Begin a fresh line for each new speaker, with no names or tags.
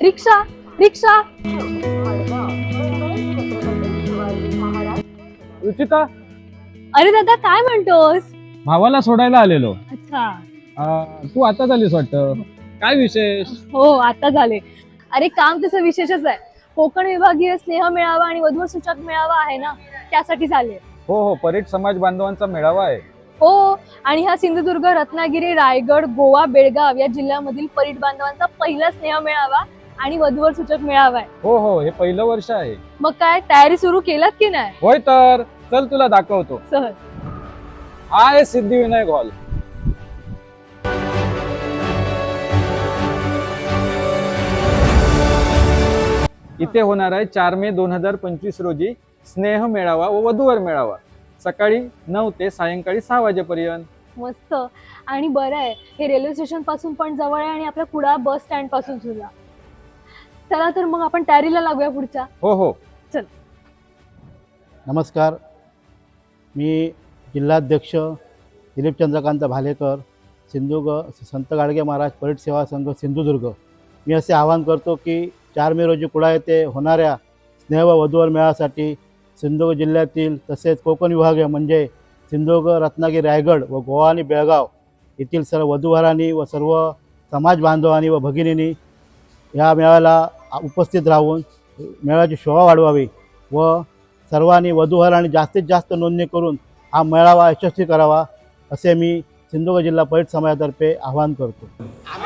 रिक्षा रिक्षा.
रुचिता,
अरे दादा काय म्हणतोस?
भावाला सोडायला आलेलो.
अच्छा.
तू आता झालीस वाटतं. काय विशेष?
हो आता झाले. अरे काम तसं विशेषच आहे. कोकण विभागीय स्नेह मेळावा आणि वधू सूचक मेळावा आहे ना, त्यासाठी झाले.
हो हो, परीट समाज बांधवांचा मेळावा आहे.
हो, आणि हा सिंधुदुर्ग, रत्नागिरी, रायगड, गोवा, बेळगाव या जिल्ह्यामधील परीट बांधवांचा पहिला स्नेह मेळावा आणि वधूवर सूचक मेळावा आहे.
हो हो, हे पहिलं वर्ष आहे.
मग काय तयारी सुरू केलात की नाही?
होय तर चल तुला दाखवतो.
सहज.
हा आहे सिद्धिविनायक हॉल. इथे होणार आहे 4 मे 2025 रोजी स्नेह मेळावा व वधूवर मेळावा. सकाळी 9 ते सायंकाळी 6 वाजेपर्यंत.
मस्त. आणि बरं आहे, हे रेल्वे स्टेशन पासून पण जवळ आहे आणि आपल्या कुडाळ बस स्टँड पासून सुद्धा. चला तर मग आपण तयारीला लागूया पुढच्या.
हो हो.
नमस्कार, मी जिल्हाध्यक्ष दिलीप चंद्रकांत भालेकर, संत गाडगे महाराज परीट सेवा संघ सिंधुदुर्ग. मी असे आवाहन करतो की 4 मे रोजी कुडाळ येथे होणाऱ्या स्नेह व वधूवर मेळाव्यासाठी सिंधुदुर्ग जिल्ह्यातील तसेच कोकण विभागीय म्हणजे सिंधुदुर्ग, रत्नागिरी, रायगड व गोवा आणि बेळगाव येथील सर्व वधूवरांनी व सर्व समाज बांधवांनी व भगिनींनी या मेळाव्याला उपस्थित राहून मेळाव्याची शोभा वाढवावी व सर्वांनी वधूवरांनी जास्तीत जास्त नोंदणी करून हा मेळावा यशस्वी करावा असे मी सिंधुदुर्ग जिल्हा परीट समाजातर्फे आवाहन करतो.